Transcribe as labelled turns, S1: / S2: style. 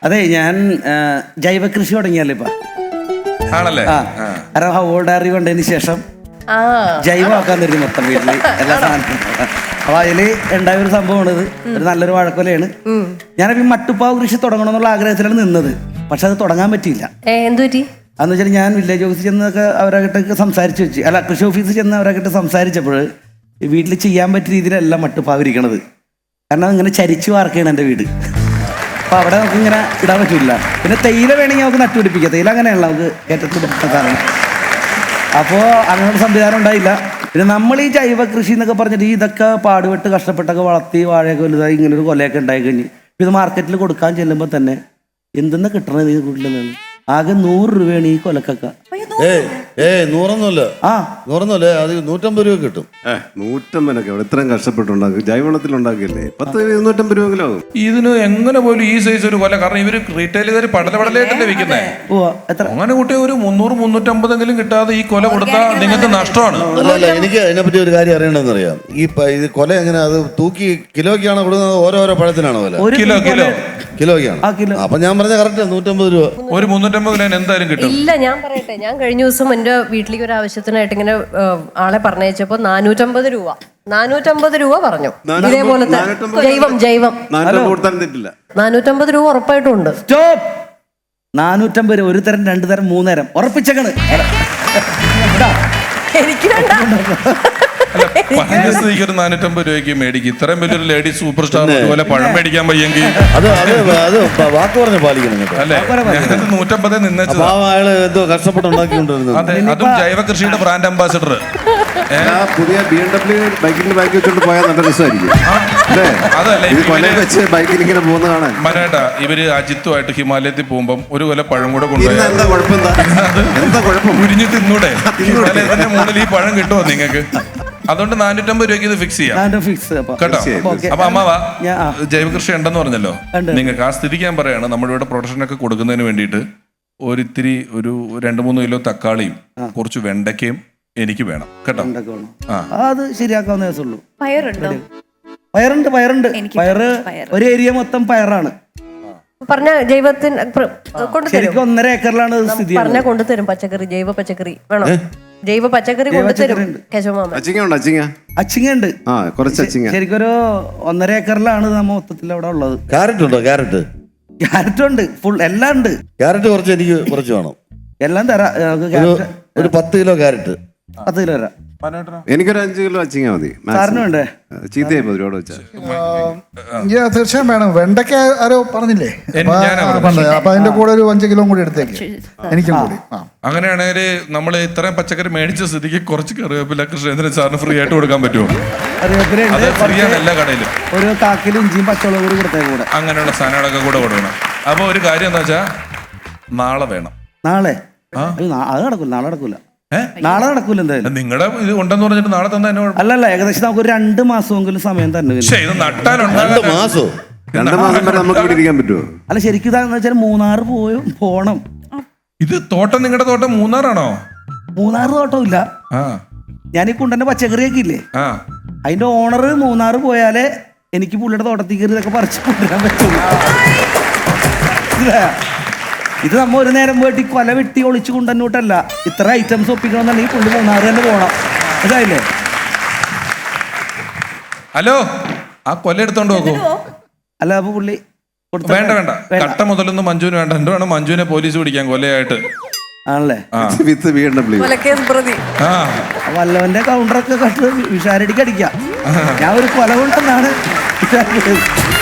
S1: അതെ ഞാൻ ജൈവ കൃഷി തുടങ്ങിയല്ലേ ഇപ്പൊ.
S2: ആണല്ലേ?
S1: കാരണം ഹോൾഡാറി കൊണ്ടതിന് ശേഷം ജൈവമാക്കാൻ തരും മൊത്തം വീട്ടില് എല്ലാ സാധനവും. അപ്പൊ അതില് ഉണ്ടായ ഒരു സംഭവമാണിത്. ഒരു നല്ലൊരു വാഴക്കൊലയാണ്. ഞാനപ്പോ ഈ മട്ടുപ്പാവ് കൃഷി തുടങ്ങണമെന്നുള്ള ആഗ്രഹത്തിലാണ് നിന്നത്. പക്ഷെ അത് തുടങ്ങാൻ പറ്റിയില്ല. അതെന്ന് വെച്ചാൽ ഞാൻ വില്ലേജ് ഓഫീസിൽ ചെന്നൊക്കെ അവരായിട്ടൊക്കെ സംസാരിച്ച് വെച്ച്, അല്ല കൃഷി ഓഫീസിൽ ചെന്ന് അവരായിട്ട് സംസാരിച്ചപ്പോൾ വീട്ടിൽ ചെയ്യാൻ പറ്റിയ രീതിയിലല്ല മട്ടുപ്പാവ് ഇരിക്കണത്. കാരണം ഇങ്ങനെ ചരിച്ചു വാർക്കുകയാണ് എൻ്റെ വീട്. അപ്പോൾ അവിടെ നമുക്ക് ഇങ്ങനെ ഇടാൻ പറ്റില്ല. പിന്നെ തേയില വേണമെങ്കിൽ നമുക്ക് നട്ടുപിടിപ്പിക്കാം. തേയില അങ്ങനെയല്ല, നമുക്ക് ഏറ്റവും പിടിപ്പിക്കുന്നതാണ്. അപ്പോൾ അങ്ങനൊരു സംവിധാനം ഉണ്ടായില്ല. പിന്നെ നമ്മൾ ഈ ജൈവ കൃഷി എന്നൊക്കെ പറഞ്ഞിട്ട് ഇതൊക്കെ പാടുപെട്ട് കഷ്ടപ്പെട്ടൊക്കെ വളർത്തി വാഴയൊക്കെ വലുതായി ഇങ്ങനൊരു കൊലയൊക്കെ ഉണ്ടായി കഴിഞ്ഞ് ഇത് മാർക്കറ്റിൽ കൊടുക്കാൻ ചെല്ലുമ്പോൾ തന്നെ എന്തെന്ന് കിട്ടണത് ഈ വീട്ടിലെന്നാണ്. ആകെ 100 രൂപയാണ് ഈ കൊലക്കൊക്കെ.
S3: 100 അത് 150 രൂപ കിട്ടും.
S4: 150 ഇത്രയും കഷ്ടപ്പെട്ടുണ്ടാക്കും. ജൈവവളത്തിൽ ഉണ്ടാക്കിയല്ലേ 100-250 രൂപ ആകും.
S2: ഇതിന് എങ്ങനെ പോലും ഈ സൈസ് ഒരു കൊല, കാരണം ഇവര് റീറ്റെയിലുകാർ പടലപടലായിട്ടല്ലേ വിൽക്കുന്നേ. അങ്ങനെ കുട്ടി ഒരു 300-350 കിട്ടാതെ ഈ കൊല കൊടുത്താൽ നിങ്ങൾക്ക് നഷ്ടമാണ്.
S3: അല്ല, എനിക്ക് അതിനെപ്പറ്റി ഒരു കാര്യം അറിയണമെന്ന് അറിയാം. ഇത് കൊല എങ്ങനെ, അത് തൂക്കി കിലോയ്ക്കാണോ കൊടുക്കുന്നത്, ഓരോരോ പഴത്തിനാണോ വില? കിലോയ്ക്കാണ്. അപ്പൊ ഞാൻ പറഞ്ഞ കറക്റ്റ് 150 രൂപ.
S2: ഒരു 350 കിലോ എന്തായാലും കിട്ടും.
S5: ഇല്ല, ഞാൻ പറയട്ടെ, ഞാൻ കഴിഞ്ഞ ദിവസം എന്റെ വീട്ടിലേക്ക് ഒരു ആവശ്യത്തിനായിട്ട് ഇങ്ങനെ ആളെ പറഞ്ഞയച്ചപ്പോ 450 രൂപ പറഞ്ഞു. ഇതേപോലത്തെ ജൈവം 450 രൂപ ഉറപ്പായിട്ടും ഉണ്ട്.
S1: 450 രൂപ, ഒരു തരം 2 തരം 3 തരം ഉറപ്പിച്ചേക്കണ്.
S5: എനിക്ക് വേണ്ട.
S2: പറഞ്ഞ സ്ഥിതിക്ക് ഒരു 450 രൂപയ്ക്ക് മേടിക്കും. ഇത്രയും വലിയൊരു ലേഡി സൂപ്പർ സ്റ്റാർ പോലെ പഴം മേടിക്കാൻ വയ്യെങ്കിൽ
S3: അത് വാക്ക് പറഞ്ഞ് പാലിക്കണം
S2: അല്ലേ? 150 നിന്നേച്ചത്.
S3: എന്തോ കഷ്ടപ്പെട്ടുണ്ടാക്കിക്കൊണ്ടിരുന്നത്.
S2: അതെ, അതും ജൈവ കൃഷിയുടെ ബ്രാൻഡ് അംബാസിഡർ.
S4: പുതിയ BMW ബൈക്കിൽ ബൈക്ക് വെച്ചോണ്ട് പോയാൽ നല്ല രസമായിരിക്കും. ബൈക്കിൽ ഇങ്ങനെ പോകുന്ന കാണാൻ.
S2: മനേട്ടാ, ഇവര് അജിത്തുമായിട്ട് ഹിമാലയത്തിൽ പോകുമ്പം ഒരു കൊല പഴം കൂടെ കൊണ്ടുപോയി ഉരിഞ്ഞു തിന്നൂടെ? ഹിമാലയത്തിന്റെ മുകളിൽ ഈ പഴം കിട്ടുമോ നിങ്ങൾക്ക്? അതുകൊണ്ട് 450 രൂപയ്ക്ക് ഇത് ഫിക്സ് ചെയ്യാം കേട്ടോ. അപ്പൊ അമ്മാവാ, ജൈവ കൃഷി ഉണ്ടെന്ന് പറഞ്ഞല്ലോ നിങ്ങൾക്ക്. ആ സ്ഥിതിക്ക് ഞാൻ പറയാണ്, നമ്മുടെ ഇവിടെ പ്രൊഡക്ഷനൊക്കെ കൊടുക്കുന്നതിന് വേണ്ടിയിട്ട് ഒരിത്തിരി ഒരു 2-3 കിലോ തക്കാളിയും കുറച്ച് വെണ്ടയ്ക്കയും എനിക്ക് വേണം കേട്ടോ.
S1: അത് ശരിയാക്കാവുന്ന ദിവസമുള്ളൂ.
S5: പയറുണ്ടോ?
S1: പയറുണ്ട്. പയറ് ഒരു ഏരിയ മൊത്തം പയറാണ്.
S5: പറഞ്ഞ ജൈവത്തിന്
S1: ശരിക്കും 1.5 ഏക്കറിലാണ് സ്ഥിതി.
S5: പറഞ്ഞാൽ കൊണ്ടുതരും പച്ചക്കറി, ജൈവ പച്ചക്കറി വേണോ? ജൈവ പച്ചക്കറി കൊണ്ടുതരും.
S1: അച്ചിങ്ങ ഉണ്ട്, ശരിക്കും ഒരു 1.5 ഏക്കറിലാണ് നമ്മ മൊത്തത്തിൽ അവിടെ ഉള്ളത്.
S3: ക്യാരറ്റ് ഉണ്ടോ?
S1: ക്യാരറ്റ് ഉണ്ട്, ഫുൾ എല്ലാം ഉണ്ട്.
S3: ക്യാരറ്റ് കുറച്ച് എനിക്ക് കുറച്ച് വേണം.
S1: എല്ലാം തരാം.
S3: ഒരു 10 കിലോ ക്യാരറ്റ്.
S1: 10 കിലോ തരാം.
S4: എനിക്കൊരു 5 കിലോ അച്ചിങ്ങ മതി.
S1: സാറിനും വേണ്ടേ?
S4: ചീത്തയായി ഒരുപാട് വെച്ചാൽ
S6: തീർച്ചയായും വേണം. വെണ്ടയ്ക്ക ആരോ പറഞ്ഞില്ലേ? അപ്പൊ അതിന്റെ കൂടെ ഒരു 5 കിലോ കൂടി എടുത്തേക്ക്, എനിക്കും കൂടി.
S2: അങ്ങനെയാണെങ്കിൽ നമ്മൾ ഇത്രയും പച്ചക്കറി മേടിച്ച സ്ഥിതിക്ക് കുറച്ച് കറിവേപ്പില കൃഷ്ണേന്ദ്രൻ സാറിന് ഫ്രീ ആയിട്ട് കൊടുക്കാൻ പറ്റുമോ? അത് ഫ്രീ ആണ് എല്ലാ കടയിലും.
S1: ഒരു കാക്കിലും ഇഞ്ചിയും പച്ചമുളകും കൂടി കൊടുത്തേക്കൂടെ.
S2: അങ്ങനെയുള്ള സാധനങ്ങളൊക്കെ കൂടെ കൊടുക്കണം. അപ്പൊ ഒരു കാര്യം എന്താ വെച്ചാ, നാളെ വേണം.
S1: നാളെ? അത് നടക്കൂല. നാളെ നടക്കൂല എന്തായാലും.
S2: നിങ്ങളുടെ ഇത് ഉണ്ടെന്ന് പറഞ്ഞിട്ട് നാളെ തന്നെ
S1: അല്ലല്ല, ഏകദേശം നമുക്ക് 2 മാസമെങ്കിലും സമയം തന്നെ.
S2: ഇത് നട്ടാലുണ്ട്
S3: 2 മാസം
S4: വരെ നമുക്ക് ഇവിടെ ഇരിക്കാൻ പറ്റുമോ?
S1: അല്ല, ശരിക്കും ഇതാന്ന് വെച്ചാൽ മൂന്നാർ പോണം.
S2: ഇത് തോട്ടം, നിങ്ങളുടെ തോട്ടം മൂന്നാറാണോ?
S1: മൂന്നാർ തോട്ടമില്ല. ഞാൻ ഈ കുണ്ടന്റെ പച്ചക്കറിയൊക്കെ ഇല്ലേ, അതിന്റെ ഓണർ മൂന്നാർ പോയാലേ എനിക്ക് പുള്ളിയുടെ തോട്ടത്തിൽ കയറി ഇതൊക്കെ പറിച്ചു കൊണ്ടുവരാൻ പറ്റുള്ളൂ. ഇത് നമ്മ ഒരു നേരം പോയിട്ട് കൊല വെട്ടി ഒളിച്ചു കൊണ്ടുവന്നിട്ടല്ല, ഇത്ര ഐറ്റംസ് ഒപ്പിക്കണമെന്നുണ്ടെങ്കിൽ പുള്ളി മൂന്നാർ തന്നെ പോകണം. ഇതായില്ലേ?
S2: ഹലോ, ആ കൊല എടുത്തോണ്ട് നോക്കൂ.
S1: അല്ല, അപ്പൊ പുള്ളി
S2: വേണ്ട കട്ട മുതലൊന്നും മഞ്ജുവിന് വേണ്ട. എന്ത് വേണം, മഞ്ജുവിനെ പോലീസ് പിടിക്കാൻ കൊലയായിട്ട്.
S1: ആണല്ലേ? വല്ലവന്റെ കൗണ്ടറൊക്കെ കട്ട് വിഷാരടിക്ക് അടിക്കാം. ഞാൻ ഒരു കൊല കൊണ്ടെന്നാണ്